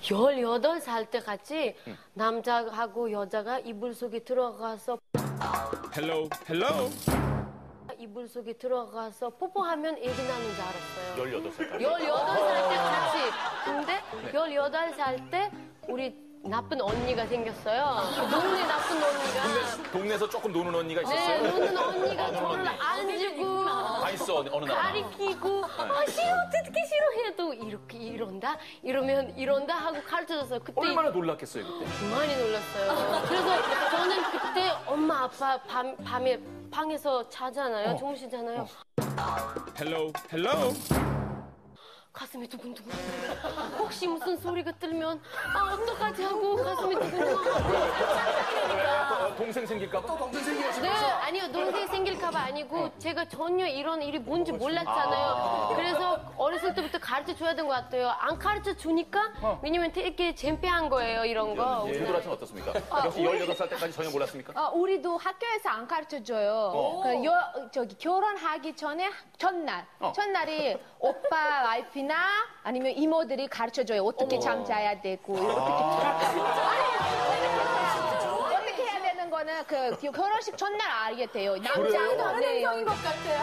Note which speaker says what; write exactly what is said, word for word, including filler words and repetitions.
Speaker 1: 열여덟 살 때 같이 응. 남자하고 여자가 이불 속에 들어가서
Speaker 2: 헬로 헬로
Speaker 1: 이불 속에 들어가서 뽀뽀하면 애기 나는 줄 알았어요.
Speaker 2: 열여덟 살까지?
Speaker 1: 열여덟 살 때 같이. 근데 네. 열여덟 살 때 우리 나쁜 언니가 생겼어요. 동네 나쁜 언니가.
Speaker 2: 동네, 동네에서 조금 노는 언니가 있었어요?
Speaker 1: 네, 노는 언니가 저를 안주고
Speaker 2: 다 있어, 어느 나라.
Speaker 1: 가리키고 아, 싫어, 어떻게 싫어해도 이렇게 이런다? 이러면 이런다 하고 가르쳐줬어요. 그때
Speaker 2: 얼마나 놀랐겠어요, 그때?
Speaker 1: 많이 놀랐어요. 그래서 저는 그때 엄마, 아빠 밤, 밤에 방에서 자잖아요. 어. 주무시잖아요.
Speaker 2: 어. 헬로 헬로
Speaker 1: 가슴이 두근두근. 혹시 무슨 소리가 들면 아 어떡하지 하고 가슴이 두근두근.
Speaker 2: 동생 생길까 봐?
Speaker 3: 또 동생 생길까 봐?
Speaker 1: 네, 아니요. 동생 생길까 봐 아니고 제가 전혀 이런 일이 뭔지 몰랐잖아요.
Speaker 2: 아.
Speaker 1: 그래서 어렸을 때부터 가르쳐 줘야 된 것 같아요. 안 가르쳐 주니까
Speaker 2: 어.
Speaker 1: 왜냐면 되게 잼피한 거예요, 이런 거.
Speaker 2: 효도라씨는 어떻습니까? 아, 역시 열여덟 살 때까지 전혀 몰랐습니까?
Speaker 4: 어, 우리도 학교에서 안 가르쳐줘요.
Speaker 2: 어.
Speaker 4: 그 여, 저기 결혼하기 전에 첫날,
Speaker 2: 어.
Speaker 4: 첫날이 오빠 와이프나 아니면 이모들이 가르쳐줘요. 어떻게
Speaker 2: 어머.
Speaker 4: 잠 자야 되고 어떻게 어떻게 해야 되는 거는 그 결혼식 첫날 알게 돼요. 남자도
Speaker 3: 다른
Speaker 4: 네.
Speaker 3: 행성인 것 같아요.